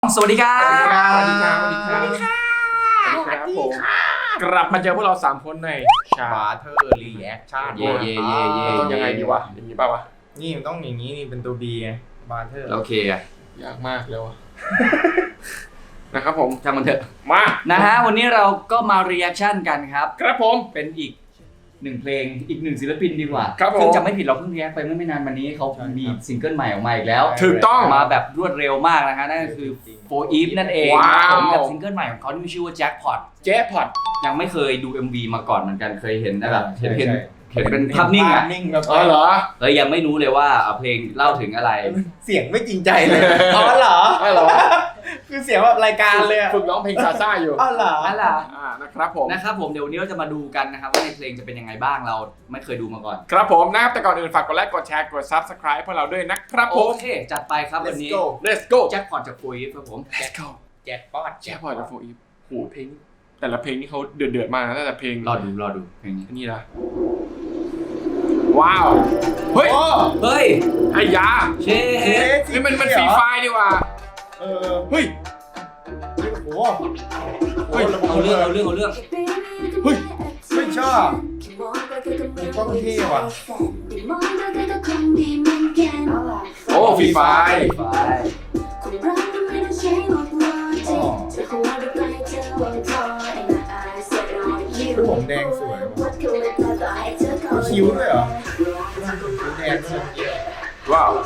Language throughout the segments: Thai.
สวัสดีครับสวัสดีครับสวัสดีครับสวัสดีค่ะสวัสดีครับผมกลับมาเจอพวกเรา3คนในชาบาร์เทอร์รีแอคชั่นเย่ต้องยังไงดีวะอย่างนี้ป่าวะนี่มันต้องอย่างนี้นี่เป็นตัว B ไงบาร์เทอร์โอเคอะยากมากเลยวะ นะครับผมช่างมันเถอะมานะฮะวันนี้เราก็มารีแอคชั่นกันครับครับผมเป็นอีกหนึ่งเพลงอีกหนึ่งศิลปินดีกว่าครับผมซึ่งจำไม่ผิดเราเพิ่งรีแอคไปเมื่อไม่นานมานี้เขามีซิงเกิลใหม่ออกมาอีกแล้วถูกต้องมาแบบรวดเร็วมากนะฮะนั่นก็คือโฟอีฟนั่นเองว้าวผมกับซิงเกิลใหม่ของเขาที่มีชื่อว่าแจ็คพอตเจ๊พอดยังไม่เคยดู MV มาก่อนเหมือนกันเคยเห็นแต่แบบใช่เห็นใช่เห็นเป็นภาพนิ่งอะนิ่งแบบอ๋อเหรอเลยยังไม่รู้เลยว่าเพลงเล่าถึงอะไรเสียงไม่จริงใจเลยอ๋อเหรอไม่เหรอคือเสียงแบบรายการเลยอะฝึกร้องเพลงซาซ่าอยู่อ๋อเหรออะไรนะครับผมนะครับผมเดี๋ยววันนี้เราจะมาดูกันนะครับว่าในเพลงจะเป็นยังไงบ้างเราไม่เคยดูมาก่อนครับผมนะครับแต่ก่อนอื่นฝากกดไลค์กดแชร์กด Subscribe พวกเราด้วยนะครับผโอมเคจัดไปครับวัน Let's นี้ go Let's go แจ็คพอตจากโฟอีฟครับผม Let's go แจ็คป๊อตแจ๊พอดกับโฟอีฟโหเพลงแต่ละเพลงนี่เขาเดือดมากนะแต่เพลงรอดูเพลงนี้นี่นะว้าวเฮ้ยโอ้เฮ้ยไอ้ยาเชนี่มันฟรีไฟล์ดีว่ะเออเฮ้ยโอ้โหเฮ้ยเอาเรื่องเฮ้ยไม่ชอบต้องเท่ว่ะโอ้ฟรีไฟล์ไปคือผมแดงสวยว่ะคิ้วด้วยเหรอคิ้วแดงด้วยว้าว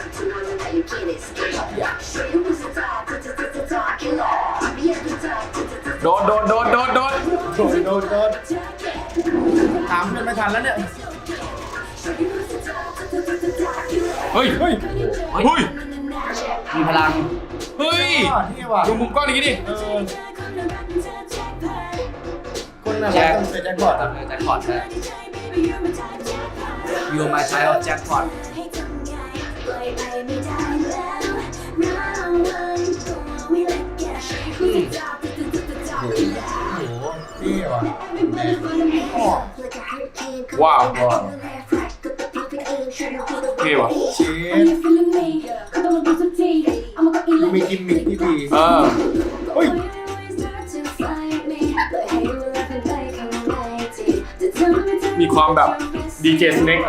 โดนโดนถามเพื่อนไม่ทันแล้วเนี่ยเฮ้ยมีพลังเฮ้ยอ๋อเท่ว่ะดูมุมกล้องอย่างนี้ดิเออคนน่ารักต้องเป็นแจ็คพอตอ่ะแจ็คพอตใช่ You are my child แจ็คพอตโอ้โหเท่ว่ะแดงอ๋อว้าวเท่ว่ะเชฟมีกิมมิคที่ดีเออเฮ้ยมีความแบบดีเจสเน็ก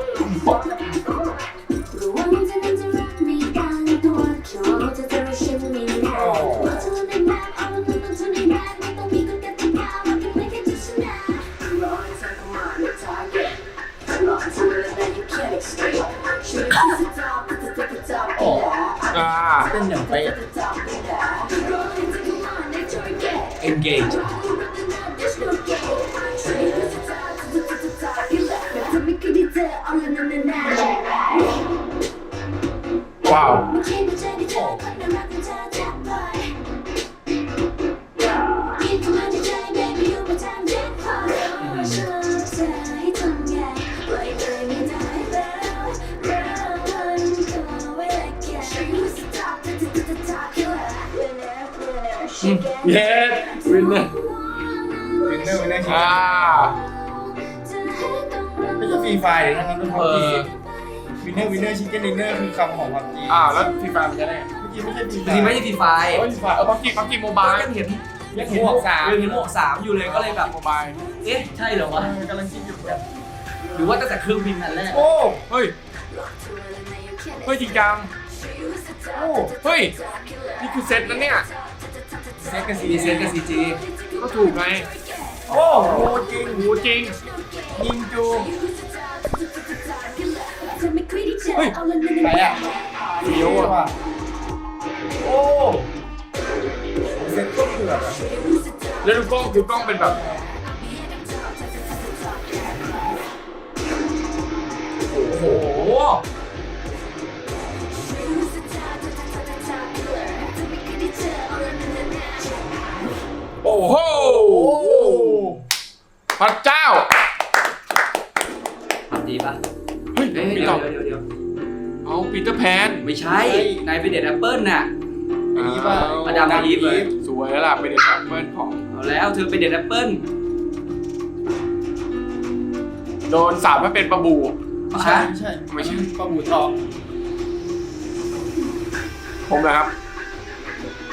เต้นอย่างเป๊ะ engage ว้าว เย้วินเนอร์วินเนอร์ชิคอ่าไม่ใช่ฟรีไฟล์เลยนะครับทุกคนวินเนอร์ชิคเก้นดินเนอร์คือคำของพับจีแล้วฟรีไฟล์มันจะได้ไงเมื่อกี้ไม่ใช่ฟรีไฟจริงๆไม่ใช่ฟรีไฟโอ้ยฟรีไฟล์พับจีโมบายยังเห็นหมวกสามอยู่เลยก็เลยแบบโมบายเอ๊ะใช่เหรอวะกำลังคิดอยู่กันหรือว่าตั้งแต่เครื่องบินอันแรกโอ้เฮ้ยจริงจังโอ้เฮ้ยนี่คือเซตแล้วเนี่ยเซ็กกับซีดีเซนกับซีจีก็ถูกไงโอ้โหจริงโหจริงยิงจูเฮ้ยไหนอ่ะเฟี้ยวอ่ะโอ้เซ็ตก็เผือกอ่ะแล้วดูกล้องเป็นแบบโอ้โหโอ้โห พระเจ้าทำดีปะเฮ้ยเดี๋มียวต่อเดี๋ยวเอาปีเตอร์แพนไม่ใช่นายเป็นเด็ดแอปเปิลน่ะอันนี้ป่ะมาดามอีฟเลยสวยแล้วล่ะเป็นเด็กแอปเปิลของเอาแล้วเธอเป็นเด็ดแอปเปิลโดนสาปให้เป็นปลาบูไม่ใช่ไม่ใช่ปลาบูทองผมนะครับ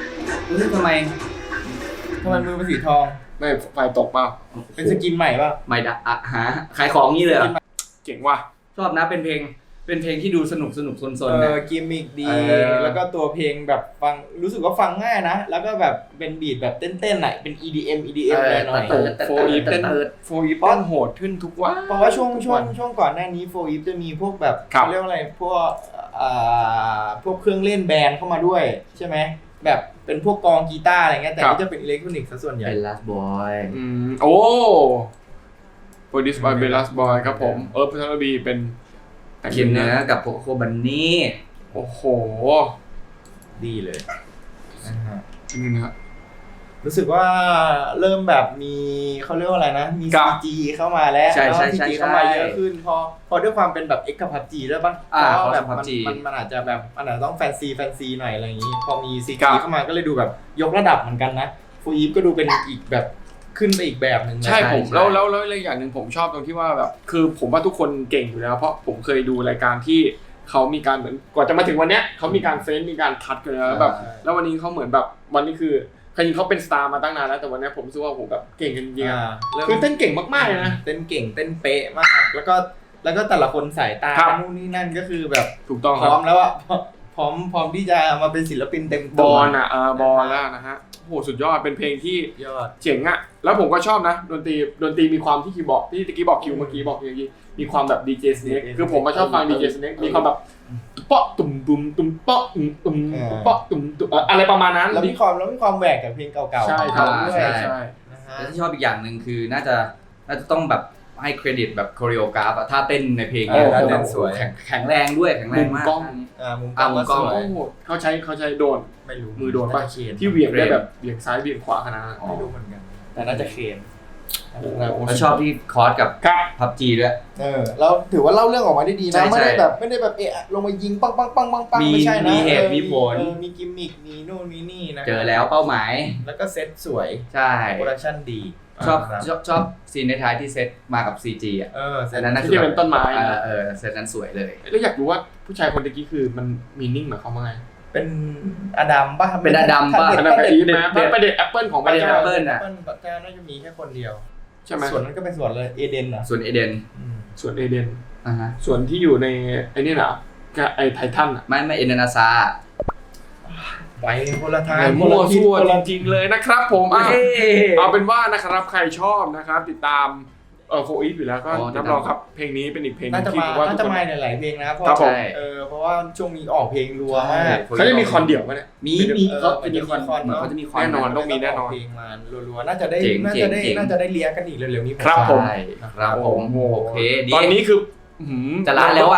ทำไมมือเป็นสีทองไม่ไฟตกเปล่าเป็นสกินใหม่ป่ะไม่ได้อะหาขายของงี้เลยเหรอเก่งว่ะชอบนะเป็นเพลงที่ดูสนุกซนๆนะกิมมิกดีอแล้วก็ตัวเพลงแบบฟังรู้สึกว่าฟังง่ายนะ แล้วก็แบบเป็นบีทแบบเต้นๆหน่อยเป็น EDM หน่อยโอ้โฟอีฟเต้นโหดขึ้นทุกวันเพราะว่าช่วงก่อนหน้านี้โฟอีฟจะมีพวกแบบครับเขาเรียกว่าอะไรพวกเครื่องเล่นแบนด์เข้ามาด้วยใช่ไหมแบบเป็นพวกกองกีตาร์อะไรเงี้ยแต่นี่จะเป็นอิเล็กทรอนิกส์ซะส่วนใหญ่เป็น Last Boy โอ้โปรดิวซ์บายเบลลัสบอยครับผมพัทรบีเป็นแต่งเขียนเนื้อกับโคโคบันนี่โอ้โหดีเลยนะฮะนี่นะฮะรู้สึกว่าเริ่มแบบมีเขาเรียกว่าอะไรนะมีครับ CG เข้ามาแล้วใช่ CG เข้ามาเยอะขึ้นพอด้วยความเป็นแบบ X กับ PUBG ด้วยป่ะ เพราะแบบ PUBG มันอาจจะแบบมันอาจจะต้องแฟนซีหน่อยอะไรอย่างนี้ พอมี CG ครับเข้ามาก็เลยดูแบบยกระดับเหมือนกันนะฟูอีฟก็ดูเป็นอีกแบบขึ้นไปอีกแบบหนึ่งนะใช่ผมใช่แล้วอีกอย่างหนึ่งผมชอบตรงที่ว่าแบบคือผมว่าทุกคนเก่งอยู่แล้วเพราะผมเคยดูรายการที่เขามีการเหมือนกว่าจะมาถึงวันเนี้ยเขามีการเฟ้นมีการคัดกันแล้วแบบแล้ววันนี้เขาเหมือนแบบวันนี้คือจริงเขาเป็นสตาร์มาตั้งนานแล้วแต่วันนี้ผมรู้สึกว่าผมแบบเก่งกันจริงๆคือเต้นเก่งมากๆเลยนะเต้นเก่งเต้นเป๊ะมาก แล้วก็แต่ละคนสายตาครับนู่นนี่นั่นก็คือแบบถูกต้องพครัร้อบ มแล้วอะพร้อมที่จะมาเป็นศิลปินเต็มบตัวอลอ่ะบอลแล้วนะฮะโอ้โหสุดยอดเป็นเพลงที่ยอดเจ๋งอ่ะแล้วผมก็ชอบนะดนตรีมีความที่คีย์บอร์ดที่ตะกี้บอกคิวเมื่อกี้บอกอย่างนี้มีความแบบดีเจสเน็กคือผมมาชอบฟังดีเจสเน็กมีความแบบเปาะตุ่มตุ่มตุ่มเปาะตุ่มตุ่มเปาะตุ่มตุ่มอะไรประมาณนั้นแล้วมีความแหวกกับเพลงเก่าๆใช่ของครับเขาด้วยใช่นะฮะแล้วที่ชอบอีกอย่างหนึ่งคือน่าจะต้องแบบให้เครดิตแบบโคเรียกราฟอะท่าเต้นในเพลงเนี่ยท่าเต้นสวยแข็งแรงด้วยแข็งแรงมากมุมกล้องมุมกล้องมุมกล้องสวยโอ้โหเขาใช้โดนไม่รู้มือโดนป่ะาจะเคนที่เหวี่ยงได้แบบเหวี่ยงซ้ายเหวี่ยงขวาขนาดนั้นไม่รู้เหมือนกันแต่น่าจะเคนแล้วชอบที่คอร์สกับครับพับจีด้วยเราถือว่าเล่าเรื่องออกมาได้ดีใช่นะใช่ไม่ได้แบบลงมายิงปังไม่ใช่นะมีเหตุมีผลมีกิมมิคมีนู่นมีนี่นะเจอแล้วเป้าหมายแล้วก็เซ็ตสวยใช่โปรดักชั่นดีชอบครับชอบซีนในท้ายที่เซตมากับ CG อ่ะเซ็ตอันนั้นน่าที่จะเป็นต้นไม้เซตนั้นสวยเลยแล้วอยากรู้ว่าผู้ชายคนตะกี้คือมันมีนิ่งหมายความว่าไงเป็นอดัมป่ะเป็นอดัมป่ะอันนั้นเป็นอีฟนะประเด็นแอปเปิลของประเด็นพระแอจ้าปเปิ้ลแอปเปิลปัจจัยน่าจะมีแค่คนเดียวใช่ไหมส่วนนั้นก็เป็นส่วนเลยเอเดนอ่ะส่วนเอเดนส่วนเอเดนอ่าฮะส่วนที่อยู่ในไอ้นี่นะไอ้ไททันอ่ะไม่เอเดนอาซาไปคนละทางมั่วซั่วคนจละริงๆเลยนะครับผมอ่ะเฮ้เอาเป็นว่านะครับใครชอบนะครับติดตามโฟอีฟอยู่แล้วก็อ๋อติดรับตามรองครับเพลงนี้เป็นอีกเพลงหน่านึงจะที่มาผมว่าทุน่าก จะคนมาหลายๆเพลงนะเพราะครับผมเพราะว่าช่วงนี้ออกเพลงรัวมากเขาจะมีคอนเดี่ยวไหมเนี่ยมีเขาจะมีคอนเหมือนเขาจะมีคอนแน่นอน ต้องมีแน่นอนเพลงมารัวๆน่าจะได้เจ๋งน่าเจ๋จะงได้เจ๋งน่าจะได้เลียกันอีกเร็วๆนี้ครับผมใช่ครับผมโอเคดีตอนนี้คือจะล้านแล้วอะ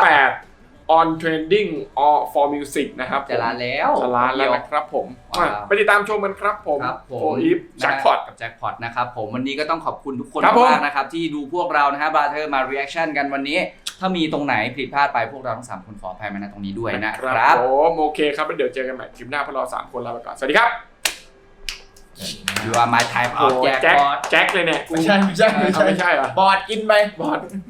8 on trending all for music นะครับจะล้านแล้วจะล้านแล้วนะครับผมว้าวไปติดตามชมกันครับผมครับผมโฟอีฟแจ็คพอตกับแจ็คพอตนะครับผมวันนี้ก็ต้องขอบคุณทุกคนครับผมมากนะครับที่ดูพวกเรานะฮะบราเธอร์มา reaction กันวันนี้ ถ้ามีตรงไหนผิดพลาดไปพวกเราทั้ง3คนขออภัยมาณตรงนี้ด้วยนะครับผมโอเคครับแล้วเดี๋ยวเจอกันใหม่คลิปหน้าพวกเรา3คนลาไปก่อนสวัสดีครับ You are my type of โอ้ jackpot แจ็คเลยเนี่ยไม่ใช่ไม่ใช่เหรอบอดกินไปบอด